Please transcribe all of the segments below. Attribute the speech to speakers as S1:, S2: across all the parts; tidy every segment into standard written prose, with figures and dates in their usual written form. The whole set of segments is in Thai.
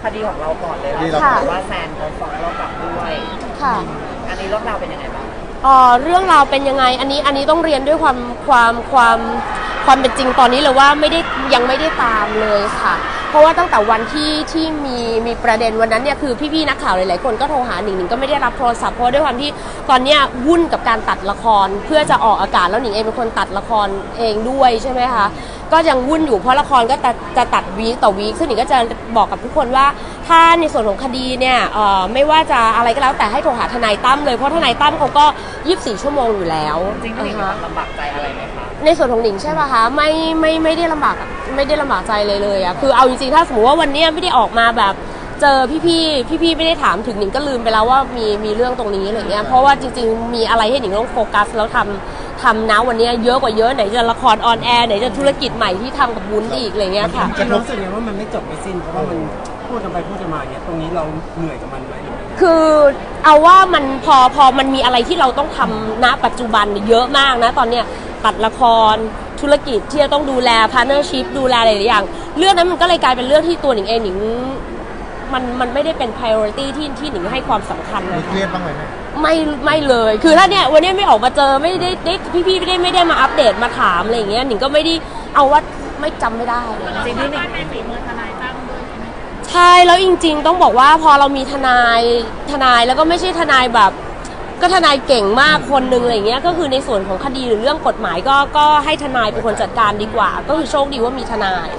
S1: คดีของเราก่อนเลยว่าแซนเขาฟ้องเรากลับด้วย
S2: ค่ะ
S1: อันนี้เรื่องราวเป็นยังไงบ้าง
S2: เรื่องราวเป็นยังไงอันนี้ต้องเรียนด้วยความเป็นจริงตอนนี้เลยว่ายังไม่ได้ตามเลยค่ะเพราะว่าตั้งแต่วันที่มีประเด็นวันนั้นเนี่ยคือพี่ๆนักข่าวหลายๆคนก็โทรหาหนิงก็ไม่ได้รับโทรศัพท์เพราะด้วยความที่ตอนเนี้ยวุ่นกับการตัดละครเพื่อจะออกอากาศแล้วหนิงเองเป็นคนตัดละครเองด้วยใช่ไหมคะก็ยังวุ่นอยู่เพราะละครก็จะตัดวีคต่อวีคซึ่งหนิงก็จะบอกกับทุกคนว่าถ้าในส่วนของคดีเนี่ยไม่ว่าจะอะไรก็แล้วแต่ให้โทรหาทนายตั้มเลยเพราะทนายตั้มเขาก็24 ชั่วโมงอยู่แล้ว
S1: จริงๆหนิงลำบากใจอะไรไหมคะ
S2: ในส่วนของหนิงใช่ป่ะคะไม่ได้ลำบากใจเลยอะคือเอาจริงๆถ้าสมมติว่าวันนี้ไม่ได้ออกมาแบบเจอพี่ไม่ได้ถามถึงหนิงก็ลืมไปแล้วว่ามีเรื่องตรงนี้อะไรเงี้ยเพราะว่าจริงๆมีอะไรให้หนิงต้องโฟกัสแล้วทำนะวันนี้เยอะกว่าเยอะไหนจะละครออนแอร์ไหนจะธุรกิจใหม่ที่ทำกับวุ้นอีกอะไรเงี้ยค่ะ
S3: จะรู้สึกไงว่ามันไม่จบไม่สิ้นเพราะว่ามันพูดกันไปพูดกันมาเนี่ยตรงนี้เราเหนื่อยกับมันไหม
S2: คือเอาว่ามันพอมันมีอะไรที่เราต้องทำณปัจจุบันเยอะมากนะตอนเนี้ยตัดละครธุรกิจที่จะต้องดูแลพาร์ทเนอร์ชิพดูแลหลายอย่างเรื่องนั้นมันก็เลยกลายเป็นเรื่องที่ตัวหนิงเองหนิงมันไม่ได้เป็น priority ที่หนิงให้ความสำคัญเลย
S4: เครียดบ้างไหม
S2: ไม่เลยคือถ้าเนี่ยวันนี้ไม่ออกมาเจอไม่ได้พี่ไม่ได้มาอัปเดตมาถามอะไรอย่างเงี้ยหนิงก็ไม่ได้เอาว่าไม่จำไม่ได้
S1: จริงที่หนิง
S5: เป็นฝีมือทนายตั้มด้วย
S2: ใช่แล้วจริงๆต้องบอกว่าพอเรามีทนายแล้วก็ไม่ใช่ทนายแบบก็ทนายเก่งมากคนนึงอะไรเงี้ยก็คือในส่วนของคดีหรือเรื่องกฎหมายก็ให้ทนายเป็นคนจัดการดีกว่าก็คือโชคดีว่ามีทนาย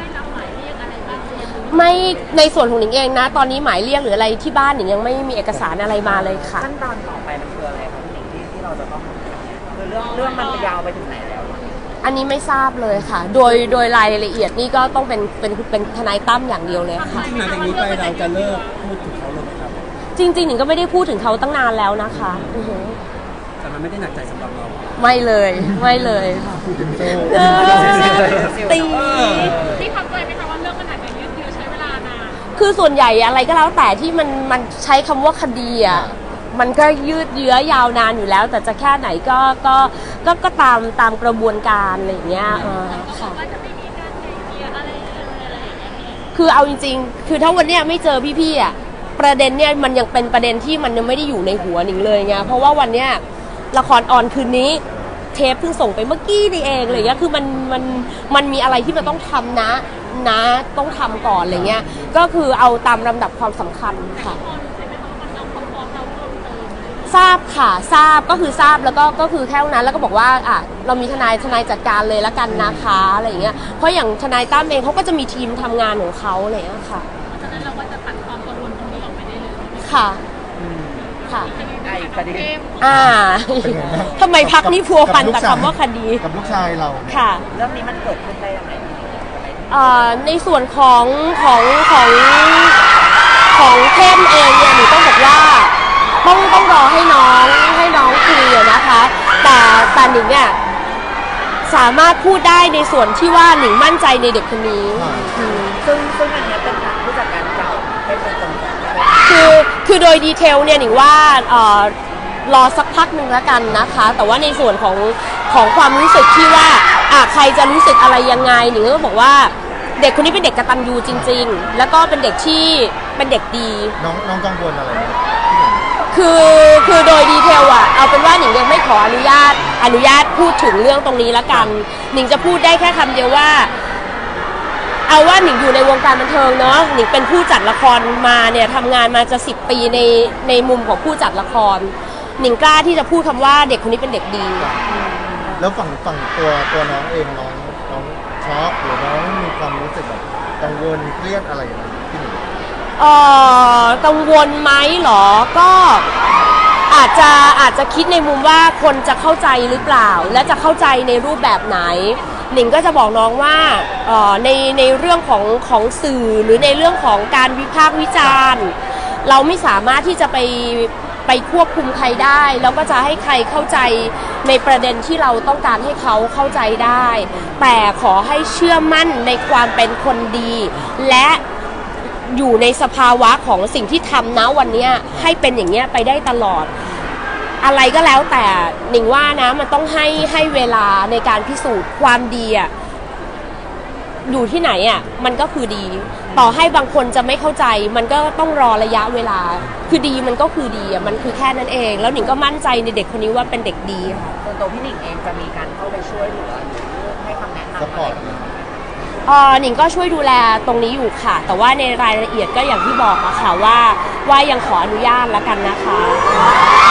S2: ไม่ในส่วนของหนิงเองนะตอนนี้หมายเรียกหรืออะไรที่บ้านหนิงยังไม่มีเอกสารอะไรมาเลยค่ะ
S1: ขั้นตอนต่อไปมันคืออะไรครับหนิงที่เราจะต้องคือเรื่องมันยาวไปถึงไหนแล้ว
S2: อันนี้ไม่ทราบเลยค่ะโดยรายละเอียดนี่ก็ต้องเป็นทนายตั้มอย่างเดียวเลยค่ะ
S3: หลังจากนี้ไปเราจะเลิกพูดถึงเขาเลยไหมครับ
S2: จริงๆหนิงก็ไม่ได้พูดถึงเขาตั้งนานแล้วนะคะ
S3: แต่มันไม่ได้หนักใจสำหรับเรา
S2: ไม่เลยค่ะตี
S5: ที่ทำใจไหมคะว่าเรื่องมันอาจจะยืดเยื้อใช้เวลานาน
S2: คือส่วนใหญ่อะไรก็แล้วแต่ที่มันใช้คำว่าคดีอ่ะมันก็ยืดเยื้อยาวนานอยู่แล้วแต่จะแค่ไหนก็ตามกระบวนการอะไรอย่างเงี้ยค่ะคือเอาจริงๆคือถ้าวันเนี้ยไม่เจอพี่ๆอ่ะประเด็นเนี่ยมันยังเป็นประเด็นที่มันยังไม่ได้อยู่ในหัวหนิงเลยไงเพราะว่าวันเนี้ยละครออนคืนนี้เทปเพิ่งส่งไปเมื่อกี้นี่เองอะไรเงี้ยคือมันมีอะไรที่มันต้องทำนะต้องทำก่อนอะไรเงี้ยก็คือเอาตามลำดับความสำคัญค่ะทราบค่ะทราบก็คือทราบแล้วก็คือแค่นั้นแล้วก็บอกว่าเรามีทนายจัดการเลยแล้วกันนะคะอะไรอย่างเงี้ยเพราะอย่างทนายตั้มเองเขาก็จะมีทีมทำงานของเขาอะไรอย่างเงี้ยค่ะ
S5: ฉะนั้นเราก็จะตัดความกังวลตรงนี้ออกไปได้เลย
S2: ค่ะ
S1: คดี
S2: ทำไมพักนี้พัวพันกับคำว่าคดี
S4: กับลูกชายเรา
S2: ค่ะ
S1: เรื่องนี้มันเกิดขึ้นได้ยังไง
S2: ในส่วนของเข้มเองเนี่ยหนูต้องบอกว่าต้องรอให้น้องคุยนะคะแต่หนิงเนี่ยสามารถพูดได้ในส่วนที่ว่าหนิงมั่นใจในเด็กคนนี้
S1: ซึ่งอันนี้เป็นทางผู้จัดการเก่าเป็นคน
S2: คือโดยดีเทลเนี่ยหนิงว่ารอสักพักหนึ่งแล้วกันนะคะแต่ว่าในส่วนของความรู้สึกที่ว่าใครจะรู้สึกอะไรยังไงหนิงก็บอกว่าเด็กคนนี้เป็นเด็กกตัญญูจริงๆแล้วก็เป็นเด็กที่เป็นเด็กดี
S4: น้องกังวลอะไรไหม
S2: คือโดยดีเทลเอาเป็นว่าหนิงยังไม่ขออนุญาตพูดถึงเรื่องตรงนี้แล้วกันหนิงจะพูดได้แค่คำเดียวว่าเอาว่าหนิงอยู่ในวงการบันเทิงเนาะหนิงเป็นผู้จัดละครมาเนี่ยทำงานมาจะ10 ปีในมุมของผู้จัดละครหนิงกล้าที่จะพูดคำว่าเด็กคนนี้เป็นเด็กดี
S4: แล้วฝั่งตัวน้องเองน้องช็อกหรือน้องมีความรู้สึกแบบกังวลเครียดอะไรอย่างเงี้ยที่หนิง
S2: กังวลไหมหรอก็อาจจะคิดในมุมว่าคนจะเข้าใจหรือเปล่าและจะเข้าใจในรูปแบบไหนหนิงก็จะบอกน้องว่าในเรื่องของสื่อหรือในเรื่องของการวิพากษ์วิจารณ์เราไม่สามารถที่จะไปควบคุมใครได้แล้วก็จะให้ใครเข้าใจในประเด็นที่เราต้องการให้เขาเข้าใจได้แต่ขอให้เชื่อมั่นในความเป็นคนดีและอยู่ในสภาวะของสิ่งที่ทำนะวันนี้ให้เป็นอย่างเงี้ยไปได้ตลอดอะไรก็แล้วแต่หนิงว่านะมันต้องให้เวลาในการพิสูจน์ความดีอยู่ที่ไหนอ่ะมันก็คือดี ต่อให้บางคนจะไม่เข้าใจมันก็ต้องรอระยะเวลาคือดีมันก็คือดีอ่ะมันคือแค่นั้นเองแล้วหนิงก็มั่นใจในเด็กคนนี้ว่าเป็นเด็กดีค่ะ
S1: ส่วนตัวพี่หนิงเองจะมีการเข้าไปช่วยเหลือหรือให้คำแนะนำ
S4: ส
S1: อะ
S4: ป
S1: ไร
S4: อร์ต
S1: ไหม
S2: หนิงก็ช่วยดูแลตรงนี้อยู่ค่ะ แต่ว่าในรายละเอียดก็อย่างที่บอกอะค่ะว่ายังขออนุญาตแล้วกันนะคะ